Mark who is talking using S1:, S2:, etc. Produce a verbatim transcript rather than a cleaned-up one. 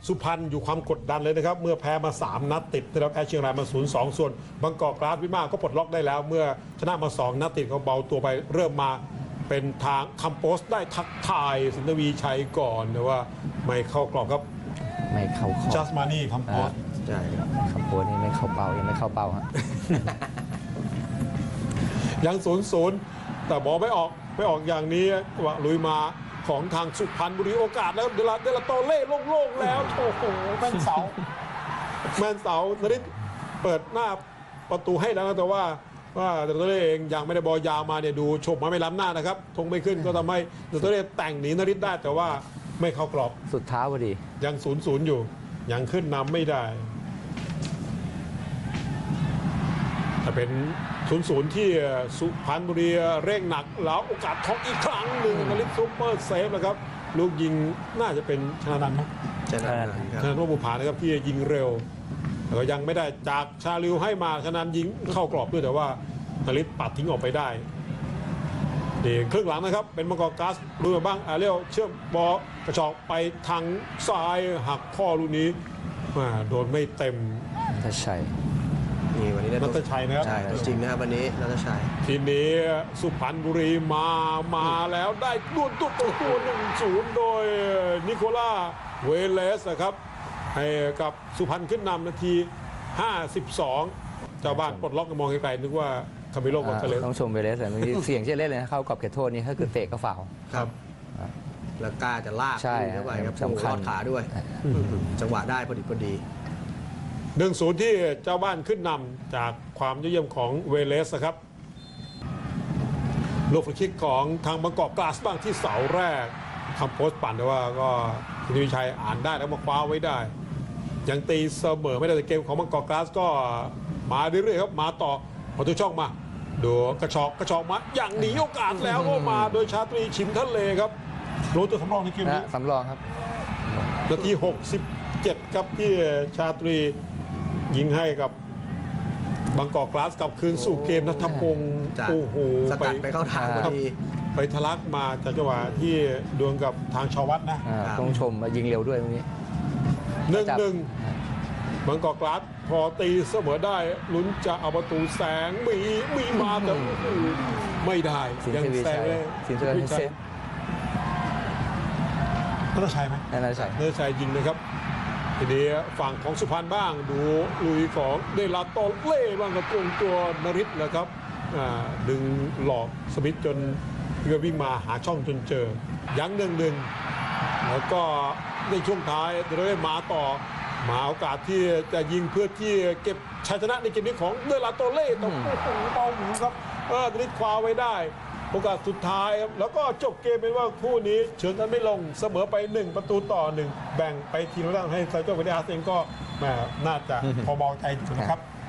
S1: สุพรรณอยู่ความกดดันเลยนะครับเมื่อแพ้มาสามนัดติดนะครับแพ้เชียงรายมา ศูนย์สอง ส่วนบางกอกกราสวิมาก็ปลดล็อกได้แล้วเมื่อชนะมาสองนัดติดเขาเบาตัวไปเริ่มมาเป็นทางคัมโพสได้ทักทายสินทวีชัยก่อนแต่ว่าไม่เข้ากรอบครับ
S2: ไม่เข้าข้อ
S1: จัสมานี่คัมโพส
S3: ใช่ครับ
S2: คัมโพสนี่ไม่เข้าเป้ายังไม่เข้าเป้าฮะ
S1: ยังศูนย์ศูนย์แต่บอลไม่ออกไม่ออกอย่างนี้ว่าลุยมาของทางสุพรรณบุรีโอกาสแล้วเดลาเดลาโตเล่โล่งๆแล้วโอ้โหแม่นเสาแม่นเสานริศเปิดหน้าประตูให้แล้วนะแต่ว่าว่าเดลาโตเล่เองยังไม่ได้บอลยาวมาเนี่ยดูชมมาไม่ล้ำหน้านะครับทงไม่ขึ้นก็ทำให้เดลาโตเล่แต่งหนีนริศได้แต่ว่าไม่เข้ากรอบ
S2: สุดเท้าพอดี
S1: ยังศูนย์ศูนย์อยู่ยังขึ้นนำไม่ได้แต่เป็นศูนย์ศูนย์ที่สุพรรณบุรีเร่งหนักแล้วโอกาสทองอีกครั้งหนึ่งนริศซุปเปอร์เซฟนะครับลูกยิงน่าจะเป็นชนะนันท์ไหม
S3: ชนะ
S1: ชนะนบุพานะครับที่ยิงเร็วแต่ก็ยังไม่ได้จากชาลิวให้มาชนะยิงเข้ากรอบด้วยแต่ว่านริศปัดทิ้งออกไปได้เดี๋ยวครึ่งหลังนะครับเป็นมังกรก๊าซดูมาบ้างอาเรียวเชื่อมบอลกระชอกไปทางซ้ายหักข้อลูกนี้มาโดนไม่เต็ม
S2: ถ้าใช่
S3: นี่วันนี้ได้
S1: นัทชัยนะครับ
S3: ใช่จริงนะครับวันนี้นัทชัย
S1: ทีนี้สุพรรณบุรีมามาแล้วได้ดวลตัวตัวตัวหนึ่งศูนย์โดยนิโคล่าเวเลสนะครับให้กับสุพรรณขึ้นนำนาทีห้าสิบสองเจ้าบ้านปลดล็อกมองไกลๆนึกว่าคาเมโลกอนซาเลส
S2: ต้องชมเวเลสแต่เมื่อกี้เสียงเช่นเล่นเลยนะเข้ากรอบเขตโทษนี่ถ้าคือเตะก็ฟาวล์
S1: ครับ
S3: แล้วกล้าจะลาก
S2: ใช่
S3: เข้าไปครับ
S2: สำคัญ
S3: รอดขาด้วย จังหวะได้พอดีพอดี
S1: หนึ่งศูนย์ที่เจ้าบ้านขึ้นนำจากความยอดเยี่ยมของเวเลสนะครับลูกฟรีคิกของทางบางกอกกลาสบ้างที่เสาแรกคำโพสต์ปั่นแต่ว่าก็คุณวิชัยอ่านได้แล้วมาคว้าไว้ได้ยังตีเสมอไม่ได้แต่เกมของบางกอกกลาสก็มาเรื่อยๆครับมาต่อประตูช่องมาดูกระชอกกระชอกมาอย่างหนีโอกาสแล้วก็มาโดยชาตรีชิมทะเลครับรู้ตัวสำรองในเกมนี้
S2: นะสำรองครับ
S1: นาทีหกสิบเจ็ดครับที่ชาตรียิงให้กับบางกอกกลาสกลับคืนสู่เกมนัทพงศ์
S3: จ้ะ
S1: โอ้โห
S3: สกัดไปเข้าทางพอดี
S1: ไปทะลักมาจากจังหวะที่ดวลกับทางชาววัดนะ
S2: อ่า
S3: ครับ
S2: ต้องชมว่ายิงเร็วด้วยตรงนี้
S1: หนึ่ง
S2: จับ
S1: หนึ่งบางกอกกลาสพอตีเสมอได้ลุ้นจะเอาประตูแสงมีมีมาแต่โอ้โหไม่ได้
S2: สิน
S1: ยั
S2: ทวี
S1: แซ
S2: ชั
S1: ง
S2: ย
S1: เลย
S2: สินทวีชัยเซฟ
S1: นัทชัยไหม
S2: นั่นน่าใช่
S1: เนื้อชัยยิงเลยครับทีนี้ฝั่งของสุพรรณบ้างดูลุยของเดลาโตเล่บ้างกับตรงตัวนริศนะครับอ่าดึงหลอกสมิธจนเรือวิ่งมาหาช่องจนเจอยังหนึ่งหนึ่งแล้วก็ในช่วงท้ายเดลาเล่มาต่อมาโอกาสที่จะยิงเพื่อที่เก็บชัยชนะในเกมนี้ของเดลาโตเล่ต้องโอ้โหเบาหมูครับเออนริศคว้าไว้ได้โอกาสสุดท้ายครับแล้วก็จบเกมเป็นว่าคู่นี้เฉินกันไม่ลงเสมอไปหนึ่งประตูต่อหนึ่งแบ่งไปทีมละด้านให้ไซโจ้เวเดอาร์เองก็แหมน่าจะพอเบาใจสุดนะครับ